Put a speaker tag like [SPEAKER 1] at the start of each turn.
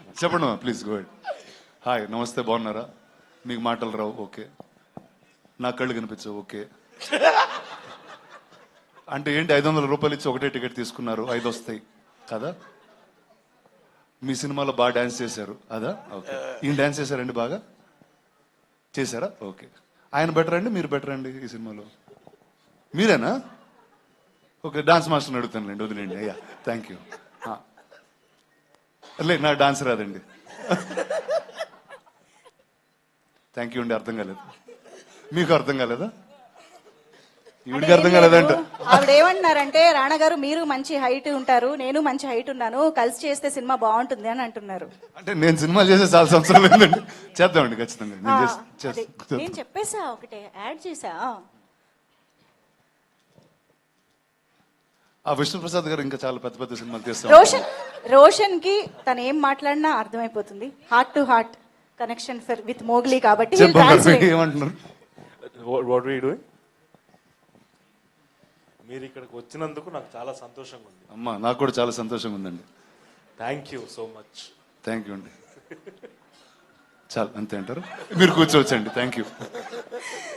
[SPEAKER 1] చెప్పండి please go head. Hi, నమస్తే, బాగున్నారా? మీకు మాటలు రావు, ఓకే. నా కళ్ళు కనిపించవు, ఓకే. అంటే ఏంటి, 500 రూపాయలు ఇచ్చి ఒకటే టికెట్ తీసుకున్నారు, 5 వస్తాయి కదా? మీ సినిమాలో బాగా డాన్స్ చేశారు, అదా? ఓకే. ఈయన డాన్స్ చేశారండి, బాగా చేశారా? ఓకే. ఆయన బెటర్ అండి, మీరు బెటర్ అండి ఈ సినిమాలో? మీరేనా? ఓకే, డాన్స్ మాస్టర్ని అడుగుతానులేండి, వదిలేండి. అయ్యా, థ్యాంక్ యూ. లేదు, నాకు డాన్స్ రాదండి. థ్యాంక్ యూ అండి, అర్థం కాలేదు. మీకు అర్థం కాలేదా? ఈవిడికి అర్థం కాలేదంట.
[SPEAKER 2] ఆవిడ ఏమంటున్నారంటే, రాణా గారు మీరు మంచి హైట్ ఉంటారు, నేను మంచి హైట్ ఉన్నాను, కలిసి చేస్తే సినిమా బాగుంటుంది అని అంటున్నారు.
[SPEAKER 1] అంటే నేను సినిమా చేసే చాలా సంవత్సరాలు ఏంటండి. చేద్దామండి ఖచ్చితంగా. నేను
[SPEAKER 2] అదే, నేను చెప్పేసా, ఒకటే యాడ్ చేసా.
[SPEAKER 1] ఆ విష్ణుప్రసాద్ గారు ఇంకా చాలా పెద్ద పెద్ద సినిమాలు తీస్తాం.
[SPEAKER 2] రోషన్ కి తను ఏం మాట్లాడినా అర్థమైపోతుంది. Heart to heart connection with Mowgli కాబట్టి
[SPEAKER 1] ఏమంటున్నారు?
[SPEAKER 3] What we doing? మీరు ఇక్కడికి వచ్చినందుకు నాకు చాలా సంతోషంగా ఉంది.
[SPEAKER 1] అమ్మా, నాకు కూడా చాలా సంతోషంగా ఉందండి.
[SPEAKER 3] Thank you so much.
[SPEAKER 1] Thank you అండి. చాలా అంతే అంటారు, మీరు కూర్చోవచ్చండి. Thank you.